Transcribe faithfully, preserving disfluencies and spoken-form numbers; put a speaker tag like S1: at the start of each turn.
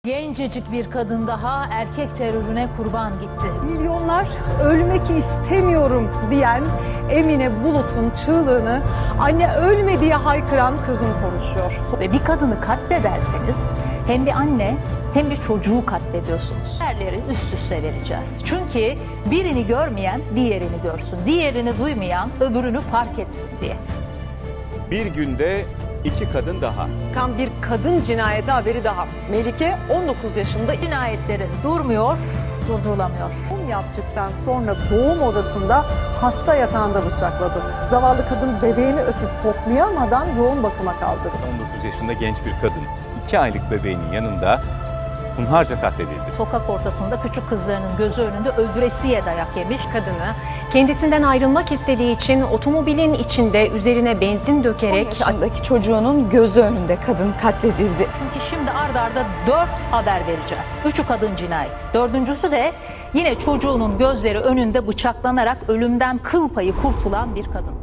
S1: Gencecik bir kadın daha erkek terörüne kurban gitti.
S2: Milyonlar ölmek istemiyorum diyen Emine Bulut'un çığlığını anne ölme diye haykıran kızım konuşuyor.
S3: Ve bir kadını katlederseniz hem bir anne hem bir çocuğu katlediyorsunuz. Yerleri üst üste vereceğiz. Çünkü birini görmeyen diğerini görsün. Diğerini duymayan öbürünü fark etsin diye.
S4: Bir günde iki kadın daha.
S2: Kan bir kadın cinayeti haberi daha. Melike on dokuz yaşında
S3: Cinayetlerin durmuyor, durdurulamıyor.
S2: doğum yaptıktan sonra doğum odasında hasta yatağında bıçakladı. Zavallı kadın bebeğini öpüp koklayamadan yoğun bakıma kaldırdı.
S4: on dokuz yaşında genç bir kadın iki aylık bebeğinin yanında hunharca katledildi.
S3: Sokak ortasında küçük kızlarının gözü önünde öldüresiye dayak yemiş.
S5: Kadını kendisinden ayrılmak istediği için otomobilin içinde üzerine benzin dökerek
S6: on yaşındaki çocuğunun gözü önünde kadın katledildi.
S3: Çünkü şimdi ard arda dört haber vereceğiz. Üçü kadın cinayet. Dördüncüsü de yine çocuğunun gözleri önünde bıçaklanarak ölümden kıl payı kurtulan bir kadın.